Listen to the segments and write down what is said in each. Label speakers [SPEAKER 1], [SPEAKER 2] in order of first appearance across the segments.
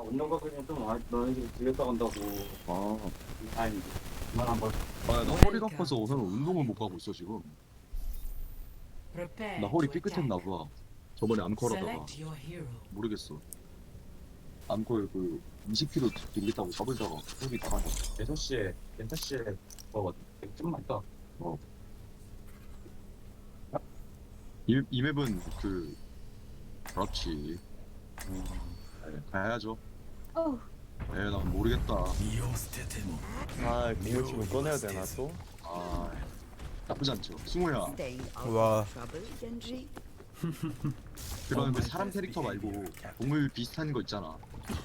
[SPEAKER 1] 운동 가기는 좀 너희들이 들렸다 간다고.
[SPEAKER 2] 아,
[SPEAKER 1] 아니, 그만 한번.
[SPEAKER 2] 나 허리가 아파서 오늘 운동을 못 가고 있어 지금. 나 허리 삐끗했나 봐. 저번에 암컬하다가 모르겠어. 암컬 그 20kg 들겠다고 잡으다가 허리 나간다.
[SPEAKER 1] 6시에 뭐, 좀 많다.
[SPEAKER 2] 이 맵은 그 그렇지. 가야죠. 난 모르겠다.
[SPEAKER 3] 아, 공물침을 꺼내야 되나 또?
[SPEAKER 2] 아, 나쁘지 않죠. 승우야,
[SPEAKER 4] 와.
[SPEAKER 2] 그런 그 사람 캐릭터 말고 동물 비슷한 거 있잖아.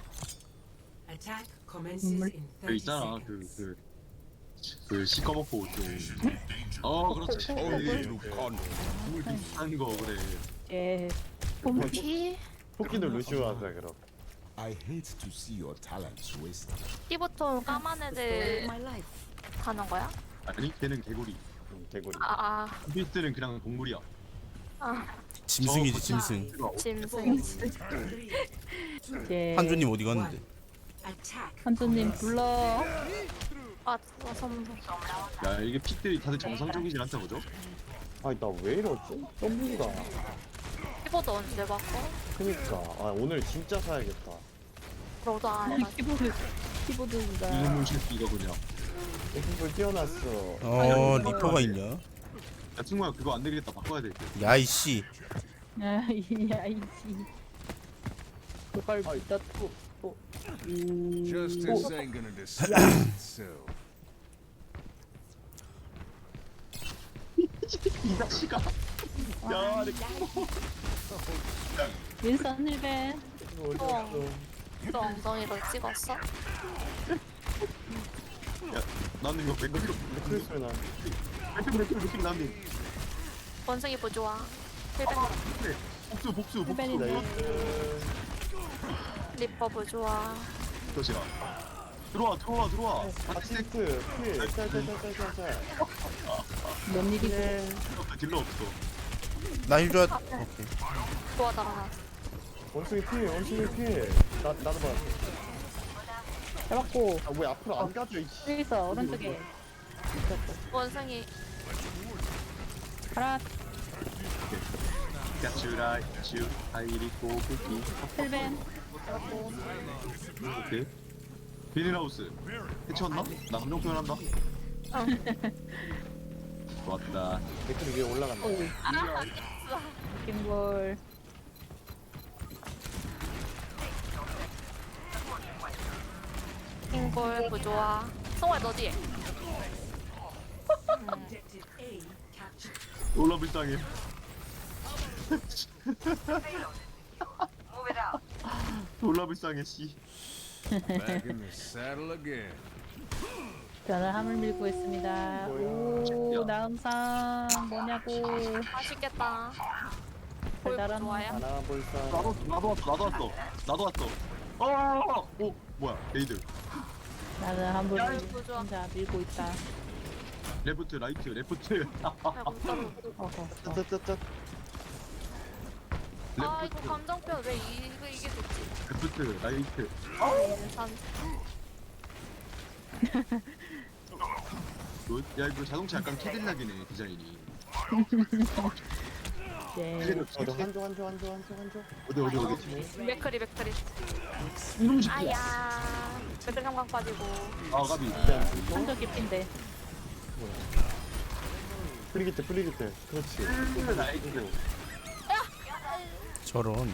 [SPEAKER 2] 그 있잖아, 그 시꺼멓고 좀. 그렇지. 동물 비슷한 거 그래.
[SPEAKER 5] 예.
[SPEAKER 4] 봄키
[SPEAKER 3] 토끼는 루시오 하자 그럼.
[SPEAKER 6] I hate to see your talents wasted.
[SPEAKER 4] 피부톤 까만 애들 가는 거야?
[SPEAKER 2] 아니, 걔는 개구리.
[SPEAKER 3] 개구리.
[SPEAKER 2] 비스트는 그냥 동물이야.
[SPEAKER 4] 짐승
[SPEAKER 7] 짐승이지 짐승.
[SPEAKER 5] 예.
[SPEAKER 7] 한주님 어디 갔는데?
[SPEAKER 5] 한주님 불러.
[SPEAKER 4] 진짜 선물.
[SPEAKER 2] 야, 이게 픽들이 다들 정상적이진 않다 보죠?
[SPEAKER 3] 아니 나 왜 이러지? W가.
[SPEAKER 4] 피부도 언제 바꿔?
[SPEAKER 3] 그니까 오늘 진짜 사야겠다.
[SPEAKER 4] 너도 안 해가지고.
[SPEAKER 5] 키보드가.
[SPEAKER 2] 이놈의 새끼가 그냥.
[SPEAKER 3] X불 띄워놨어.
[SPEAKER 7] 리퍼가 있냐?
[SPEAKER 2] 야, 승우야, 그거 안 되겠다. 바꿔야 돼.
[SPEAKER 7] 야이씨.
[SPEAKER 5] 아이씨. 그걸 믿다 또.
[SPEAKER 6] Justice ain't gonna decide itself.
[SPEAKER 2] 이 자식아. 야,
[SPEAKER 5] 윈선 힐벤.
[SPEAKER 4] 너 엉덩이로 찍었어?
[SPEAKER 2] 나는 이거 맥주
[SPEAKER 3] 크리스 소리 나.
[SPEAKER 2] 맥주 나는.
[SPEAKER 4] 원숭이 보조아. 힐백
[SPEAKER 2] 복수.
[SPEAKER 5] 힐벤인데.
[SPEAKER 4] 리퍼 보조아.
[SPEAKER 2] 도시라. 들어와.
[SPEAKER 3] 아시스트 필. 짤.
[SPEAKER 5] 뭔 일이고.
[SPEAKER 2] 딜러 없어.
[SPEAKER 7] 나 힐 줘야.
[SPEAKER 4] 도와달라.
[SPEAKER 3] 원숭이 필. 나도 봐.
[SPEAKER 5] 잡았고.
[SPEAKER 3] 왜 앞으로 안 가져 이씨.
[SPEAKER 5] 여기 있어 오른쪽에.
[SPEAKER 4] 원숭이.
[SPEAKER 5] 가라.
[SPEAKER 2] 야추라 슈 아이리 고기.
[SPEAKER 5] 힐벤.
[SPEAKER 2] 오케이. 비닐하우스 해치웠나? 나 감정 표현한다. 좋았다.
[SPEAKER 3] 댓글 위에 올라간다.
[SPEAKER 5] 킹볼.
[SPEAKER 4] 킹볼 보조아. 성우야 너 뒤에.
[SPEAKER 2] 놀라 불쌍해. 놀라 불쌍해 씨.
[SPEAKER 6] Back in the saddle again.
[SPEAKER 5] 저는 함을 밀고 있습니다. 오 나음상 뭐냐고.
[SPEAKER 4] 맛있겠다.
[SPEAKER 5] 달달한
[SPEAKER 4] 좋아요?
[SPEAKER 3] 하나 볼사.
[SPEAKER 2] 나도 왔어. 오 뭐야 레이드.
[SPEAKER 5] 나는 함을
[SPEAKER 4] 아이고, 좋아.
[SPEAKER 5] 혼자 밀고 있다.
[SPEAKER 2] 레프트 라이트 레프트.
[SPEAKER 5] 어허.
[SPEAKER 3] 짜짜짜짜.
[SPEAKER 4] 이거 감정표 왜 이게 좋지?
[SPEAKER 2] 레프트 라이트.
[SPEAKER 4] 산.
[SPEAKER 2] 야 이거 자동차 약간 캐딜락이네 디자인이.
[SPEAKER 5] 예.
[SPEAKER 3] 한조.
[SPEAKER 2] 어디.
[SPEAKER 4] 맥크리.
[SPEAKER 2] 이놈 새끼야.
[SPEAKER 4] 아야. 맥크리 삼광 빠지고.
[SPEAKER 2] 가비.
[SPEAKER 5] 한조 깊인데.
[SPEAKER 3] 프리기트. 그렇지.
[SPEAKER 2] 라이트.
[SPEAKER 7] 저런.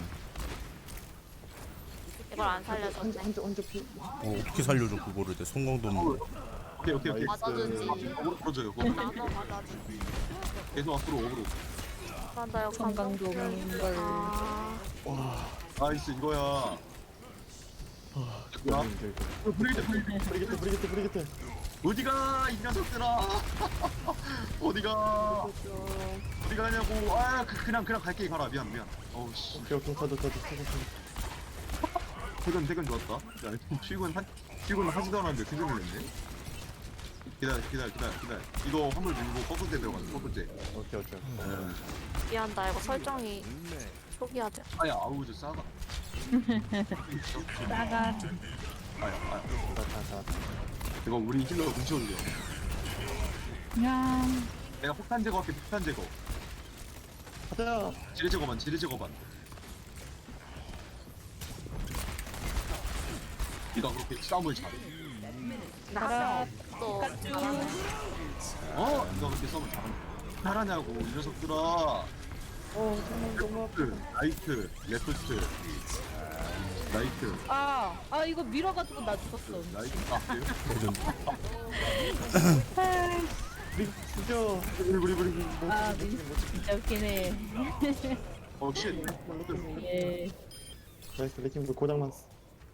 [SPEAKER 4] 이걸 안 살려줬네.
[SPEAKER 3] 한조 피.
[SPEAKER 7] 어떻게 살려줘 그거를 내 성공도 없는.
[SPEAKER 2] 오케이.
[SPEAKER 4] 맞아주지.
[SPEAKER 2] 어그로 풀어줘요.
[SPEAKER 4] 나도 맞아주지.
[SPEAKER 2] 계속 앞으로 어그로.
[SPEAKER 4] 맞아요.
[SPEAKER 5] 건강도 없는 걸.
[SPEAKER 2] 나이스 이거야. 야
[SPEAKER 3] 브리기트.
[SPEAKER 2] 어디가 이 녀석들아. 어디가 가냐고. 그냥 갈게. 가라. 미안. 어우씨.
[SPEAKER 3] 오케이 가자.
[SPEAKER 2] 퇴근 좋았다. 야, 출근 하지도 않았는데 퇴근을 했네. 기다려. 이거 화물 밀고 꺾을때 들어가자. 꺾을때.
[SPEAKER 3] 오케이.
[SPEAKER 4] 미안다. 이거 설정이 초기화돼.
[SPEAKER 2] 아야 아우 저 싸가.
[SPEAKER 5] 나가.
[SPEAKER 3] 자.
[SPEAKER 2] 이거 우리 힐러 문치 올려.
[SPEAKER 5] 야.
[SPEAKER 2] 내가 폭탄 제거할게, 폭탄 제거.
[SPEAKER 3] 가자.
[SPEAKER 2] 지뢰 제거만. 네가 그렇게 싸움을 잘해.
[SPEAKER 4] 나또 잘하네.
[SPEAKER 2] 네가 그렇게 싸움을 잘하냐고, 이 녀석들아.
[SPEAKER 3] 정말 너무 아파.
[SPEAKER 2] 라이트, 레프트, 라이트,
[SPEAKER 5] 이거 밀어가지고 나 죽었어.
[SPEAKER 2] 라이트.
[SPEAKER 3] 우리 죽여. 우리.
[SPEAKER 5] 진짜 웃기네.
[SPEAKER 2] 쉣.
[SPEAKER 5] 예.
[SPEAKER 3] 나이스 레킹볼 고장만 써.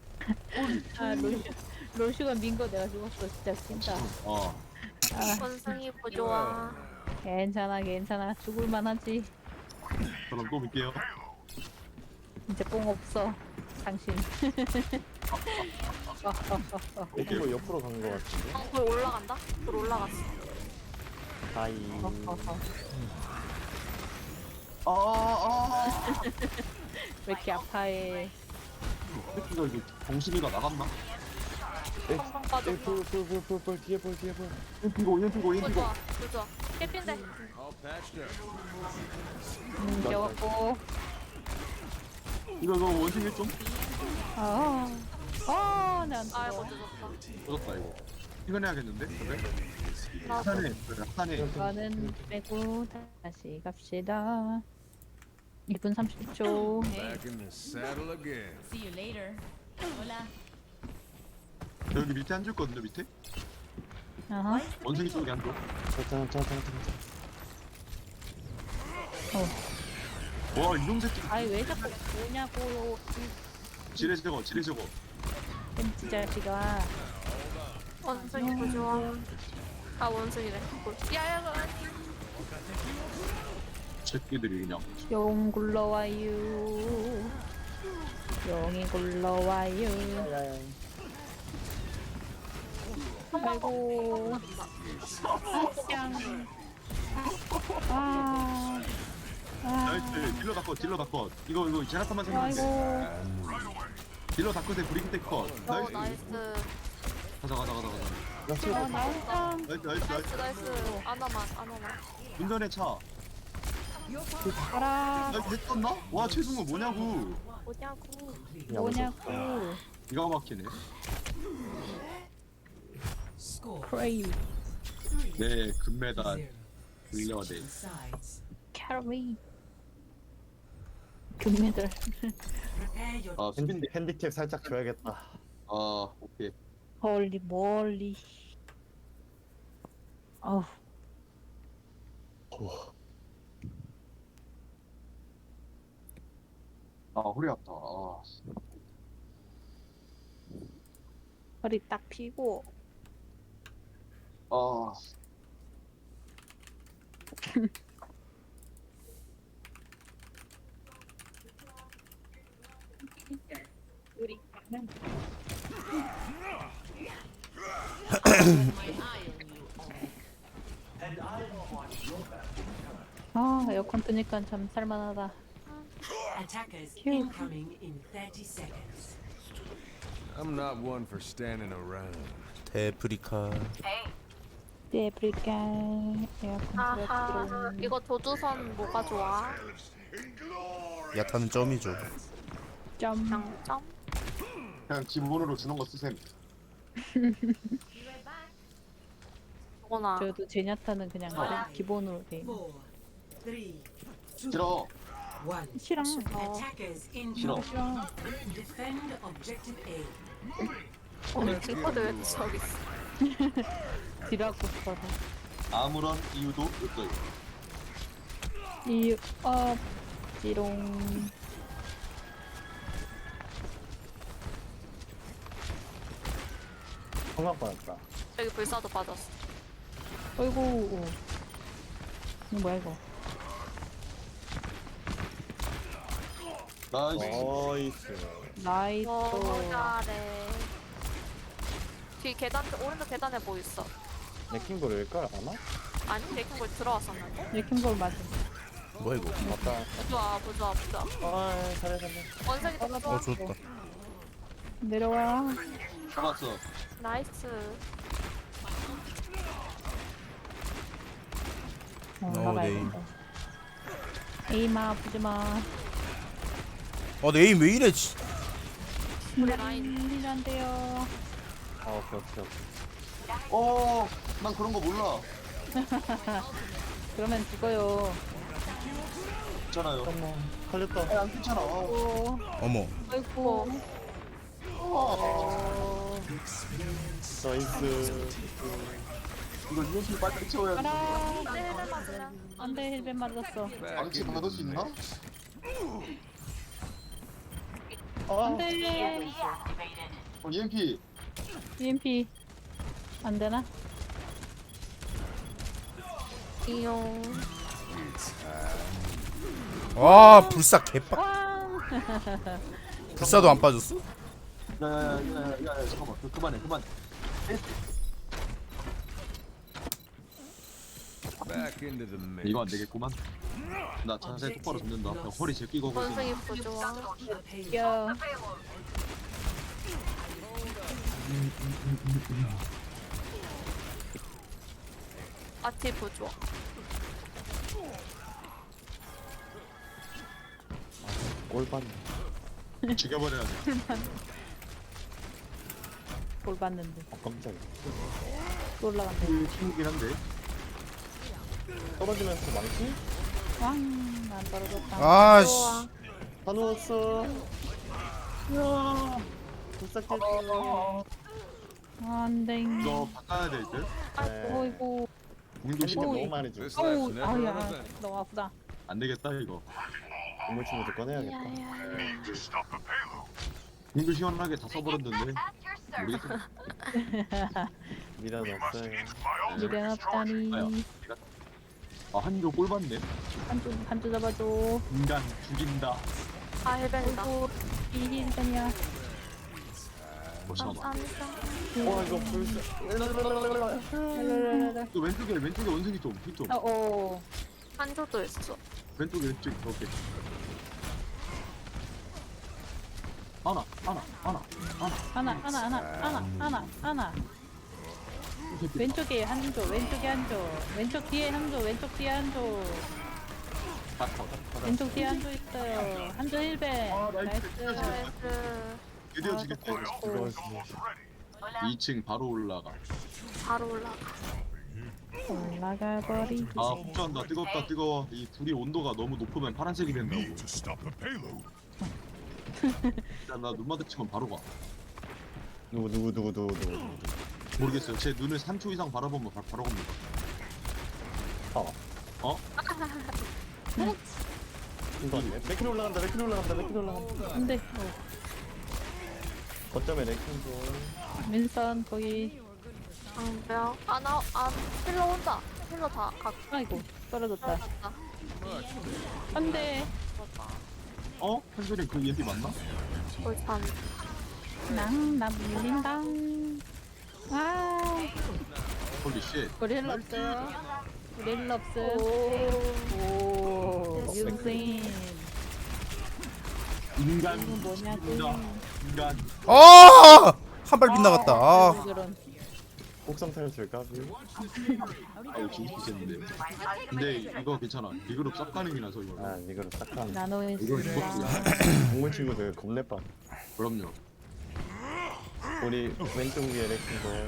[SPEAKER 5] 로슈가 민 거 내가 죽었어. 진짜 웃긴다.
[SPEAKER 4] 원숭이 부조화.
[SPEAKER 5] 괜찮아. 죽을만 하지.
[SPEAKER 2] 그럼 또 볼게요.
[SPEAKER 5] 이제 뽕 없어. 당신.
[SPEAKER 3] 레킹볼 옆으로 간 거 같은데.
[SPEAKER 4] 불 올라간다? 불 올라갔어.
[SPEAKER 3] 아이.
[SPEAKER 5] 왜 이렇게 아파해.
[SPEAKER 2] 새끼가 이거 정신이가 나갔나?
[SPEAKER 4] 펑펑 빠졌어.
[SPEAKER 3] 불 뒤에 불.
[SPEAKER 2] 인피고.
[SPEAKER 4] 부조화. 깨핀데.
[SPEAKER 6] All patched up.
[SPEAKER 5] 겨웠고.
[SPEAKER 2] 이거 원숭이 좀
[SPEAKER 5] 내안
[SPEAKER 4] 아이고
[SPEAKER 5] 죽어.
[SPEAKER 4] 늦었다.
[SPEAKER 2] 터졌다 이거. 퇴근해야겠는데? 그래?
[SPEAKER 4] 나
[SPEAKER 2] 하산해.
[SPEAKER 5] 이거는 빼고 다시 갑시다. 2분 30초.
[SPEAKER 6] Back in the saddle again.
[SPEAKER 8] See you later. Hola.
[SPEAKER 2] 여기 밑에 앉을 거든요, 밑에?
[SPEAKER 5] 아하.
[SPEAKER 2] 원숭이 쪽에 앉아.
[SPEAKER 3] 자.
[SPEAKER 2] 와, 이놈 새끼.
[SPEAKER 5] 아이 왜 자꾸 뭐냐고
[SPEAKER 2] 지뢰 저거.
[SPEAKER 5] 햄찌 자식아.
[SPEAKER 4] 원숭이 부조화. 원숭이네. 야야
[SPEAKER 2] 새끼들이 그냥.
[SPEAKER 5] 용 굴러와요. 용이 굴러와요.
[SPEAKER 3] 야야야.
[SPEAKER 5] 아이고. 짱.
[SPEAKER 2] 나이스. 딜러 다 컷. 이거 제라탄만 생겼는데.
[SPEAKER 5] 아이고.
[SPEAKER 2] 딜러 다 컷에 브리기 때 컷. 나이스.
[SPEAKER 4] 나이스.
[SPEAKER 2] 가자.
[SPEAKER 5] 나온다.
[SPEAKER 2] 나이스.
[SPEAKER 4] 아나만.
[SPEAKER 2] 운전의 차.
[SPEAKER 5] 가라.
[SPEAKER 2] 나이스 했었나? 와, 최승우 뭐냐고.
[SPEAKER 5] 뭐냐고.
[SPEAKER 2] 기가 막히네.
[SPEAKER 8] Score.
[SPEAKER 5] 크레이.
[SPEAKER 2] 네, 금메달. 물려대.
[SPEAKER 8] Sides.
[SPEAKER 5] 캐리. 금메달.
[SPEAKER 8] Prepare your
[SPEAKER 2] 아, 수빈데.
[SPEAKER 3] 핸디캡 살짝 줘야겠다.
[SPEAKER 2] 오케이.
[SPEAKER 5] 멀리. 어우.
[SPEAKER 2] 허리 아프다.
[SPEAKER 5] 허리 딱 펴고. 우리 가는. 에어컨 뜨니까 참 살만하다.
[SPEAKER 8] attackers
[SPEAKER 5] Phew.
[SPEAKER 8] incoming in 30 seconds.
[SPEAKER 6] I'm not one for standing around.
[SPEAKER 7] 데프리카.
[SPEAKER 5] 데프리카. 에어컨
[SPEAKER 4] 아하.
[SPEAKER 5] 틀어주기로.
[SPEAKER 4] 이거 조주선 뭐가 좋아?
[SPEAKER 7] 야타는 점이죠.
[SPEAKER 5] 점.
[SPEAKER 4] 장점?
[SPEAKER 2] 그냥 기본으로 주는 거 쓰셈.
[SPEAKER 4] 뭐나.
[SPEAKER 5] 저도 제냐타는 그냥 기본으로 돼.
[SPEAKER 8] 4, 3, 2,
[SPEAKER 2] 싫어.
[SPEAKER 8] 1.
[SPEAKER 5] 싫어.
[SPEAKER 8] Attackers
[SPEAKER 2] 싫어.
[SPEAKER 8] incoming. Defend objective A.
[SPEAKER 4] 오늘 킹커드 왜 저기 있어?
[SPEAKER 5] 딜하고 싶어서.
[SPEAKER 2] 아무런 이유도 없어요.
[SPEAKER 5] 이유 없지롱.
[SPEAKER 3] 성각 받았다.
[SPEAKER 4] 여기 불사도 빠졌어.
[SPEAKER 5] 어이구. 이거 뭐야 이거?
[SPEAKER 2] 나이스.
[SPEAKER 3] 나이스.
[SPEAKER 5] 나이스.
[SPEAKER 4] 잘해. 뒤 계단, 오른쪽 계단에 뭐 있어?
[SPEAKER 3] 레킹볼 일걸 아마?
[SPEAKER 4] 아니, 레킹볼 들어왔었는데?
[SPEAKER 5] 레킹볼 맞음.
[SPEAKER 7] 뭐야 이거?
[SPEAKER 3] 맞다.
[SPEAKER 4] 부좋아.
[SPEAKER 3] 아, 잘해.
[SPEAKER 4] 원색이 더 좋아.
[SPEAKER 7] 좋다.
[SPEAKER 5] 내려와.
[SPEAKER 2] 잡았어.
[SPEAKER 4] 나이스.
[SPEAKER 5] 올라가야
[SPEAKER 7] 네.
[SPEAKER 5] 된다. 에이마 아프지마.
[SPEAKER 7] 내 에임 왜 이래?
[SPEAKER 4] 우리 라인.
[SPEAKER 5] 안 돼요.
[SPEAKER 3] 아, 오케이.
[SPEAKER 2] 난 그런 거 몰라.
[SPEAKER 5] 그러면 죽어요.
[SPEAKER 2] 있잖아요.
[SPEAKER 3] 잠깐만. 걸렸다.
[SPEAKER 2] 안 괜찮아.
[SPEAKER 5] 오,
[SPEAKER 7] 어머.
[SPEAKER 5] 아이고.
[SPEAKER 3] 나이스.
[SPEAKER 2] 이거 유효실 빨리 채워야 돼.
[SPEAKER 5] 가라.
[SPEAKER 4] 네, 헬멧 맞으면.
[SPEAKER 5] 안돼 힐벤 맞았어.
[SPEAKER 2] 방치 받을 수 있나?
[SPEAKER 5] 안돼.
[SPEAKER 2] EMP.
[SPEAKER 5] EMP 안 되나?
[SPEAKER 4] 이용.
[SPEAKER 7] 와 불사 개빡.
[SPEAKER 5] 왕.
[SPEAKER 7] 불사도 안 빠졌어?
[SPEAKER 2] 야야야야야 잠깐만. 그만해.
[SPEAKER 6] Back into the mix.
[SPEAKER 2] 이거 안 되겠구만. 나 자세 똑바로 잡는다. 야, 허리 제끼고 오고 있어.
[SPEAKER 4] 원색이 부좋아.
[SPEAKER 5] 야.
[SPEAKER 4] 아티 부좋아.
[SPEAKER 3] 골반.
[SPEAKER 2] 죽여버려야 돼.
[SPEAKER 5] 볼 봤는데
[SPEAKER 3] 깜짝이야.
[SPEAKER 5] 또 올라간대.
[SPEAKER 2] 힘이긴 한데.
[SPEAKER 3] 떨어지면서 망치?
[SPEAKER 5] 왕안 떨어졌다.
[SPEAKER 7] 아씨.
[SPEAKER 3] 다 누웠어. 야. 불사 깼어.
[SPEAKER 5] 안돼.
[SPEAKER 2] 이거 바꿔야 될 듯?
[SPEAKER 5] 어이구.
[SPEAKER 2] 공도
[SPEAKER 3] 힘이
[SPEAKER 2] 심어.
[SPEAKER 3] 너무 많이 줘.
[SPEAKER 6] This life's
[SPEAKER 5] 어우
[SPEAKER 6] never
[SPEAKER 5] 아야
[SPEAKER 6] enough.
[SPEAKER 5] 너무 아프다.
[SPEAKER 2] 안 되겠다 이거.
[SPEAKER 3] 동물 친구들 꺼내야겠다.
[SPEAKER 2] 공도 시원하게 다 써버렸는데. 모르겠어.
[SPEAKER 3] 미련 없어요.
[SPEAKER 5] 미련 없다니.
[SPEAKER 2] 한조 꼴 받네.
[SPEAKER 5] 한쪽 잡아줘.
[SPEAKER 2] 인간 죽인다.
[SPEAKER 4] 아, 헬멧이다.
[SPEAKER 5] 이 힐벤이야.
[SPEAKER 2] 잠깐만.
[SPEAKER 4] 감사합니다.
[SPEAKER 3] 와, 이거 불사.
[SPEAKER 2] 그 왼쪽에 원숭이 좀. 힐 좀.
[SPEAKER 5] 어.
[SPEAKER 4] 한조도 있어.
[SPEAKER 2] 왼쪽. 오케이. 하나.
[SPEAKER 5] 하나. 왼쪽에 한조, 왼쪽 뒤에 한조, 왼쪽 뒤에 한조, 왼쪽 뒤에 한조 있어요. 한조 힐벤. 나이스.
[SPEAKER 4] 나이스.
[SPEAKER 2] 드디어 죽였다.
[SPEAKER 3] 이거
[SPEAKER 2] 2층 바로 올라가.
[SPEAKER 4] 바로 올라가.
[SPEAKER 5] 올라가 버리기.
[SPEAKER 2] 아 폭주한다. 뜨거워. 이 둘이 온도가 너무 높으면 파란색이 된다고. 일단 나 눈 마주치면 바로 가.
[SPEAKER 3] 누구.
[SPEAKER 2] 모르겠어요. 제 눈을 3초 이상 바라보면 바로 갑니다.
[SPEAKER 3] 이거네. 레킨 올라간다.
[SPEAKER 5] 안돼.
[SPEAKER 3] 거점에 레킨 좀.
[SPEAKER 5] 민선 거기.
[SPEAKER 4] 방벽. 힐러 온다. 힐러 다 각.
[SPEAKER 5] 아이고 떨어졌다.
[SPEAKER 4] 떨어졌다.
[SPEAKER 5] 안돼.
[SPEAKER 2] 한솔이 그 EMP 맞나?
[SPEAKER 4] 골참.
[SPEAKER 5] 나 밀린다. 아,
[SPEAKER 2] 홀리 쉣.
[SPEAKER 5] 우리 힐러 없어요. 우리 힐러 없음. 오, 윤생.
[SPEAKER 2] 인간
[SPEAKER 5] 이건 뭐냐고.
[SPEAKER 2] 죽인다. 인간.
[SPEAKER 7] 한 발 빗나갔다. 아.
[SPEAKER 5] 그런.
[SPEAKER 3] 곡성 탈출 까비.
[SPEAKER 2] 아유 진짜 근데 이거 괜찮아. 리그룹 싹 가능이라서 이거.
[SPEAKER 3] 아, 이거를 딱 하는.
[SPEAKER 5] 나노
[SPEAKER 2] 이거
[SPEAKER 5] 인스.
[SPEAKER 3] 동물 친구들 겁내 빠.
[SPEAKER 2] 그럼요.
[SPEAKER 3] 우리 왼쪽 위에 레킨 거.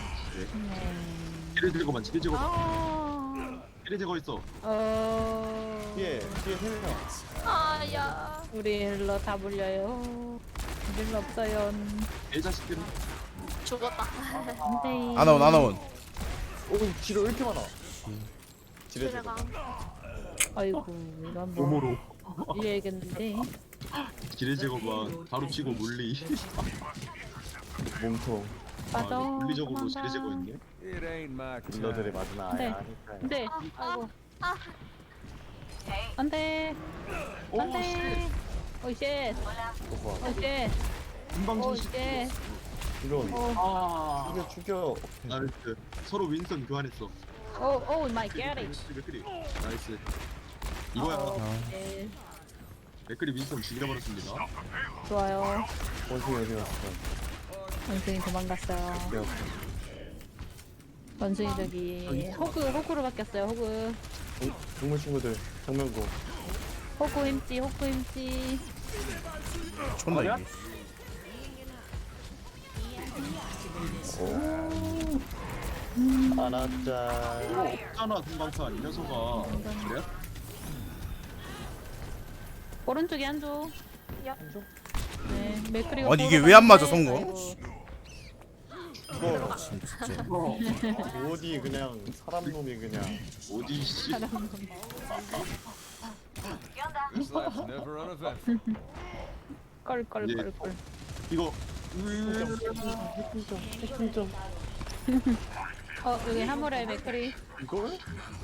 [SPEAKER 2] 기를 제거만 기를 제거.
[SPEAKER 5] 아,
[SPEAKER 2] 기를 제거 있어.
[SPEAKER 3] 뒤에 3명.
[SPEAKER 4] 아야.
[SPEAKER 5] 우리 힐러 다 물려요. 힐러 없어요.
[SPEAKER 2] 애 자식들은
[SPEAKER 4] 죽었다.
[SPEAKER 5] 안돼.
[SPEAKER 7] 아나온.
[SPEAKER 3] 오, 지뢰 왜 이렇게 많아? 지뢰
[SPEAKER 4] 지뢰가.
[SPEAKER 5] 아이고 이건 뭐
[SPEAKER 2] 몸으로
[SPEAKER 5] 이해야겠는데.
[SPEAKER 2] 기를 제거만 바로 치고 물리.
[SPEAKER 3] 몸통.
[SPEAKER 5] 빠져.
[SPEAKER 2] 물리적으로 기를 제거했네.
[SPEAKER 6] It ain't my
[SPEAKER 3] 딜러들이
[SPEAKER 6] time.
[SPEAKER 3] 맞으나
[SPEAKER 5] 네.
[SPEAKER 3] 아야 하니까요.
[SPEAKER 5] 안돼. 아이고. 안돼.
[SPEAKER 2] 오
[SPEAKER 5] 안돼. 오쉣.
[SPEAKER 3] 오빠,
[SPEAKER 5] 오쉣.
[SPEAKER 2] 금방
[SPEAKER 5] 오쉣.
[SPEAKER 3] 이런.
[SPEAKER 2] 아
[SPEAKER 3] 죽여.
[SPEAKER 2] 나이스. 서로 윈선 교환했어.
[SPEAKER 5] 오 마이 갓.
[SPEAKER 2] 맥크리. 나이스. 이거야.
[SPEAKER 5] 네,
[SPEAKER 2] 맥클이 윈스턴 죽여버렸습니다.
[SPEAKER 5] 좋아요.
[SPEAKER 3] 원숭이 어디 갔어?
[SPEAKER 5] 원숭이 도망갔어요.
[SPEAKER 3] 네.
[SPEAKER 5] 원숭이 저기 호구로 바뀌었어요. 호구.
[SPEAKER 3] 동물 친구들 정면고.
[SPEAKER 5] 호구 힘찌.
[SPEAKER 7] 촌나 이게.
[SPEAKER 3] 알았자.
[SPEAKER 2] 없잖아 금방사 이 녀석아. 그래?
[SPEAKER 5] 오른쪽에 한조. 네, 맥크리가.
[SPEAKER 7] 아니, 이게
[SPEAKER 5] 보러
[SPEAKER 7] 왜안 맞아,
[SPEAKER 5] 갔는데,
[SPEAKER 7] 성공?
[SPEAKER 5] 아이고,
[SPEAKER 3] 이거
[SPEAKER 7] 진짜.
[SPEAKER 3] 어디 그냥 사람 놈이 그냥.
[SPEAKER 2] 어디 씨.
[SPEAKER 6] This life's never uneventful.
[SPEAKER 5] 껄껄껄껄.
[SPEAKER 2] 이거
[SPEAKER 3] 핵심점.
[SPEAKER 5] 여기 하모라의 맥크리.
[SPEAKER 3] 이걸?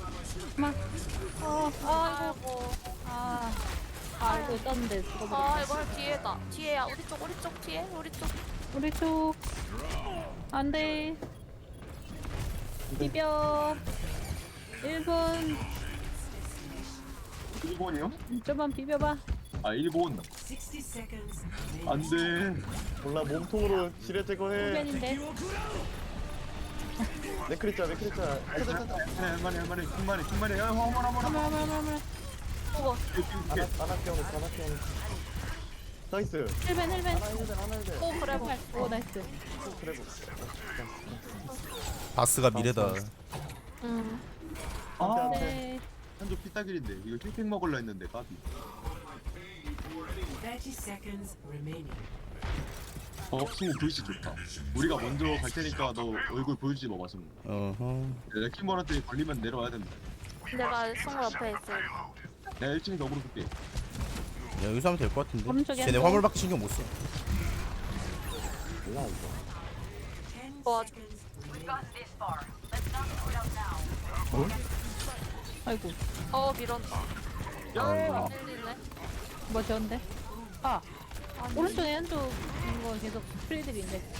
[SPEAKER 4] 아이고.
[SPEAKER 5] 아이고 떴는데 죽어버렸어.
[SPEAKER 4] 아 이거 뒤에다. 뒤에야. 우리 쪽 뒤에.
[SPEAKER 5] 우리 쪽. 안 돼. 비벼. 1분.
[SPEAKER 2] 일본이요?
[SPEAKER 5] 좀만 비벼봐.
[SPEAKER 2] 아 일본.
[SPEAKER 8] 60 seconds.
[SPEAKER 2] 안돼.
[SPEAKER 3] 몰라 몸통으로 지뢰 제거해.
[SPEAKER 5] 후면인데.
[SPEAKER 3] 네크리짜.
[SPEAKER 2] 할만해. 킹만해. 야 어머나.
[SPEAKER 4] 우와.
[SPEAKER 3] 하나 깨우네. 나이스.
[SPEAKER 5] 1벤.
[SPEAKER 3] 하나 힐.
[SPEAKER 4] 오 그래 뭐.
[SPEAKER 5] 오 나이스.
[SPEAKER 3] 그래.
[SPEAKER 7] 바스가 미래다.
[SPEAKER 4] 응.
[SPEAKER 3] 안돼.
[SPEAKER 5] 네.
[SPEAKER 2] 한조 피따길인데 이거 힐팩 먹을라 했는데 까비.
[SPEAKER 8] 30 seconds remaining.
[SPEAKER 2] 승우 보이시 좋다. 우리가 먼저 갈 테니까 너 얼굴 보여주지 마봐 승우.
[SPEAKER 7] 어허.
[SPEAKER 2] 레킹볼한테 걸리면 내려와야 된다.
[SPEAKER 4] 내가 승우 옆에 있어.
[SPEAKER 2] 내가 1층에 너구로 볼게.
[SPEAKER 7] 야, 여기서 하면 될 것 같은데.
[SPEAKER 5] 오른쪽에
[SPEAKER 7] 쟤네
[SPEAKER 5] 한 번.
[SPEAKER 7] 화물밖에 신경 못 써.
[SPEAKER 3] 몰라 이거.
[SPEAKER 8] 10
[SPEAKER 4] 도와줘.
[SPEAKER 8] seconds
[SPEAKER 5] 아이고.
[SPEAKER 4] 밀었다. 밀리네.
[SPEAKER 5] 뭐 좋은데? 오른쪽에 한쪽 이거 계속 프리들인데.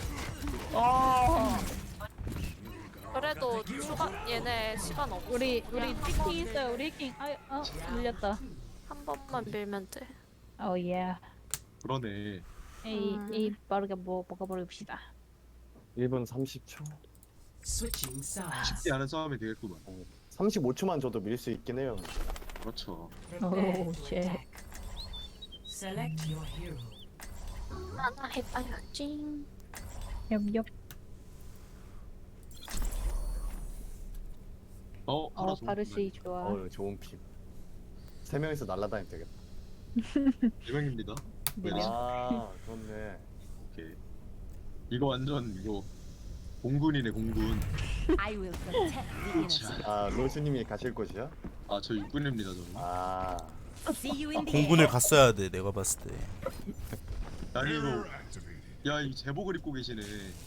[SPEAKER 4] 그래도 얘네 시간 없어.
[SPEAKER 5] 우리 해킹 있어요. 우리 해킹. 밀렸다.
[SPEAKER 4] 한 번만 밀면 돼.
[SPEAKER 5] 예.
[SPEAKER 2] 그러네.
[SPEAKER 5] 에이 빠르게 먹어버립시다.
[SPEAKER 3] 1분 30초.
[SPEAKER 8] switching sides.
[SPEAKER 2] 쉽지 않은 싸움이 되겠구만.
[SPEAKER 3] 35초만 줘도 밀 수 있긴 해요.
[SPEAKER 2] 그렇죠.
[SPEAKER 8] Prepare
[SPEAKER 5] 오,
[SPEAKER 8] to
[SPEAKER 5] 쉣.
[SPEAKER 8] attack. Select your hero.
[SPEAKER 4] 하나 해봐야지.
[SPEAKER 5] 엽엽.
[SPEAKER 2] 하나 좋은
[SPEAKER 5] 바르시 좋아.
[SPEAKER 3] 좋은 픽. 3명이서 날라다니면 되겠다.
[SPEAKER 2] 대명입니다.
[SPEAKER 5] 네.
[SPEAKER 3] 그렇네.
[SPEAKER 2] 오케이. 이거 완전 이거 공군이네 공군.
[SPEAKER 3] 로스님이 가실 곳이야?
[SPEAKER 2] 저 육군입니다 저는.
[SPEAKER 7] 공군을 갔어야 돼, 내가 봤을 때.
[SPEAKER 2] 아니 이거 이 제복을 입고 계시네.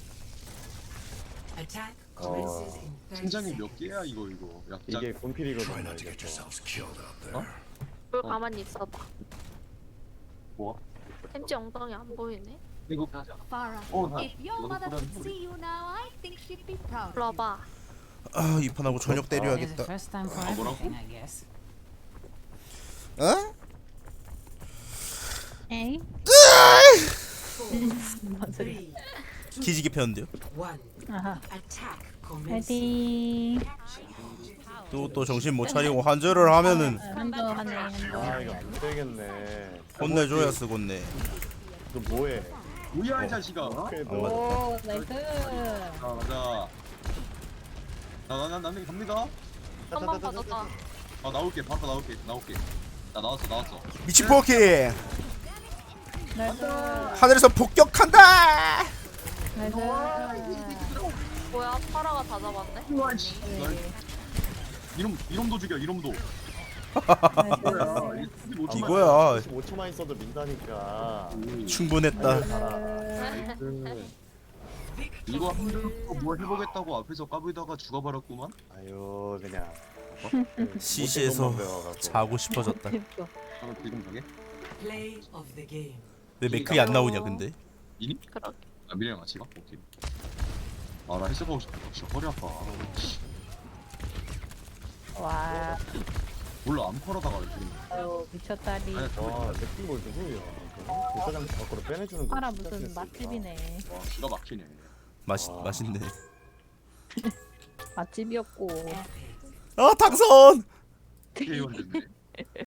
[SPEAKER 8] Attack commences in 30
[SPEAKER 2] 팀장이
[SPEAKER 8] seconds.
[SPEAKER 2] 몇 개야 이거 약장.
[SPEAKER 3] 이게 군필이거든요. 이게 또.
[SPEAKER 4] 물 가만히 있어봐.
[SPEAKER 2] 뭐?
[SPEAKER 4] 햄찌 엉덩이 안 보이네.
[SPEAKER 2] 이거
[SPEAKER 9] If your mother could see you now, I think she'd be proud.
[SPEAKER 4] 불러 봐.
[SPEAKER 7] 이 판하고 저녁 때려야겠다.
[SPEAKER 10] First time for
[SPEAKER 2] 뭐라고?
[SPEAKER 10] everything, I guess.
[SPEAKER 7] 어?
[SPEAKER 5] 에이.
[SPEAKER 8] Three,
[SPEAKER 7] 기지개 폈는데요?
[SPEAKER 8] 1.
[SPEAKER 5] 아하.
[SPEAKER 8] Attack commences.
[SPEAKER 5] 파이팅.
[SPEAKER 7] 또 정신 못 차리고 한절을 하면은
[SPEAKER 5] 한조 하네. 한조.
[SPEAKER 3] 이거 안 되겠네.
[SPEAKER 7] 혼내줘야 쓰겠네.
[SPEAKER 3] 너 뭐해?
[SPEAKER 2] 뭐야 이 자식아.
[SPEAKER 5] 오 나이스.
[SPEAKER 2] 자 가자. 나는 갑니다.
[SPEAKER 4] 한 번 받았다.
[SPEAKER 2] 나올게. 바로 나올게. 나 나왔어.
[SPEAKER 7] 미친 포키
[SPEAKER 5] 나이스.
[SPEAKER 7] 하늘에서 폭격한다.
[SPEAKER 5] 나이스.
[SPEAKER 4] 뭐야? 파라가 다 잡았네.
[SPEAKER 2] 이놈도 죽여. 이놈도.
[SPEAKER 7] 이거야.
[SPEAKER 3] 15초만 있어도 민다니까.
[SPEAKER 7] 충분했다.
[SPEAKER 2] 이거 뭐 해보겠다고 앞에서 까불다가 죽어버렸구만.
[SPEAKER 3] 아유 그냥.
[SPEAKER 7] CC에서 자고 싶어졌다.
[SPEAKER 5] 재밌어.
[SPEAKER 2] 지금 가게?
[SPEAKER 8] Play of the game.
[SPEAKER 7] 왜 맥클이 안 나오냐 근데?
[SPEAKER 2] 미니?
[SPEAKER 4] 그러게.
[SPEAKER 2] 미래랑 같이 가? 오케이. 나 헬스 가고 싶다. 진짜 허리 아파.
[SPEAKER 5] 와.
[SPEAKER 2] 몰라 암컬하다가 지금.
[SPEAKER 5] 아유 미쳤다리.
[SPEAKER 2] 아니
[SPEAKER 3] 와 새끼 뭘 누구야 부사장 밖으로 빼내주는 거
[SPEAKER 5] 파라
[SPEAKER 3] 진짜
[SPEAKER 5] 무슨
[SPEAKER 3] 센스있다.
[SPEAKER 5] 맛집이네.
[SPEAKER 2] 와 기가 막히네.
[SPEAKER 7] 맛있네.
[SPEAKER 5] 맛집이었고.
[SPEAKER 7] 아 당선.
[SPEAKER 2] 게임 됐네.